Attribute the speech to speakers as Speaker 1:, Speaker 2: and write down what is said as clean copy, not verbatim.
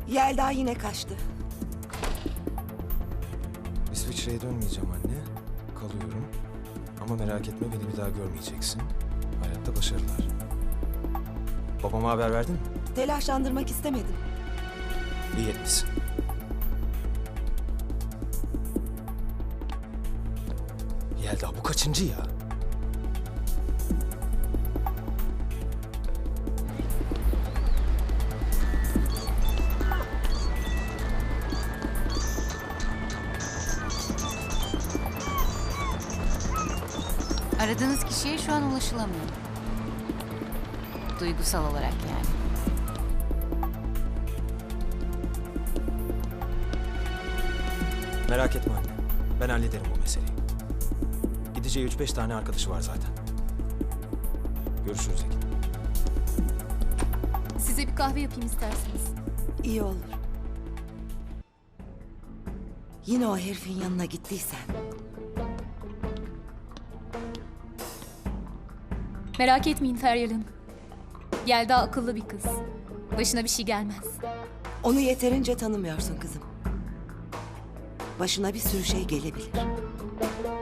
Speaker 1: Yelda yine kaçtı.
Speaker 2: İsviçre'ye dönmeyeceğim anne. Kalıyorum. Ama merak etme, beni bir daha görmeyeceksin. Hayatta başarılar. Babama haber verdin mi?
Speaker 1: Telaşlandırmak istemedim.
Speaker 2: İyi etmişsin. Yelda bu kaçıncı ya?
Speaker 3: Aradığınız kişiye şu an ulaşılamıyor. Duygusal olarak yani.
Speaker 2: Merak etme anne. Ben hallederim bu meseleyi. Gideceği 3-5 tane arkadaşı var zaten. Görüşürüz Ekin.
Speaker 4: Size bir kahve yapayım isterseniz.
Speaker 1: İyi olur. Yine o herifin yanına gittiysen.
Speaker 4: Merak etmeyin Feryal Hanım. Yelda akıllı bir kız. Başına bir şey gelmez.
Speaker 1: Onu yeterince tanımıyorsun kızım. Başına bir sürü şey gelebilir.